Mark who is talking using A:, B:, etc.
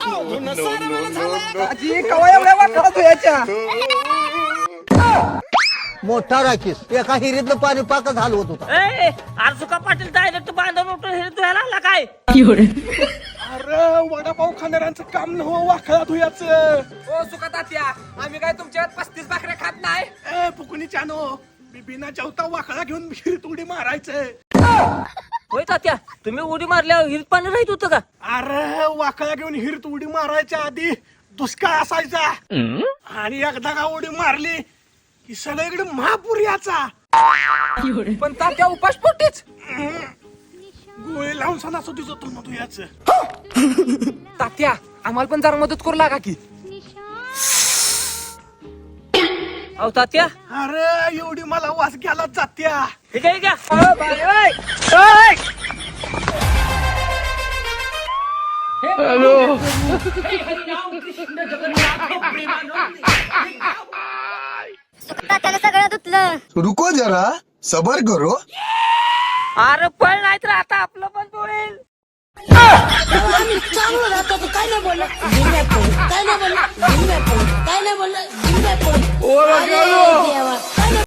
A: आजी कवा एवढ्या वाकडा धुयाच्या
B: मोठा राखीस एका हिरीतलं पाणी पाकच हलवत होता.
C: आरसुका पाटील डायरेक्ट बांधून उठून हे धुयाला आला काय?
A: अरे वडापाव खाणाऱ्यांचं काम नव्ह वाकडा धुयाचं.
D: ओ सुका तात्या, आम्ही काय तुमच्या 35 भाकऱ्या खात नाही.
A: ए फुकुनी चानो मी बिना जेवता वाकडा घेऊन विहिरीत उडी मारायचंय.
C: होय तात्या, तुम्ही उडी मारल्यावर हिरीत पाणी राहत होतं का?
A: अरे वाकडा घेऊन हिरीत उडी मारायच्या आधी दुष्काळ असायचा आणि एकदा का उडी मारली की सगळीकडे महापूर याचा.
D: पण तात्या उपास पोटीच.
A: गोळी लावून सणासुदीच होतो ना तू याच.
D: तात्या आम्हाला पण जरा मदत करू लागा की.
C: अहो तात्या,
A: अरे एवढी मला वास घ्यायला जात्या.
C: हे काय घ्या.
E: त्याला सगळं धुतलं.
F: रुको जरा सबर करो.
C: अरे पण नाही तर आता आपलं पण होईल.
E: आम्ही चांगलं राहतो तू काय नाही बोलला काय नाही बोलला काय नाही बोलला देवा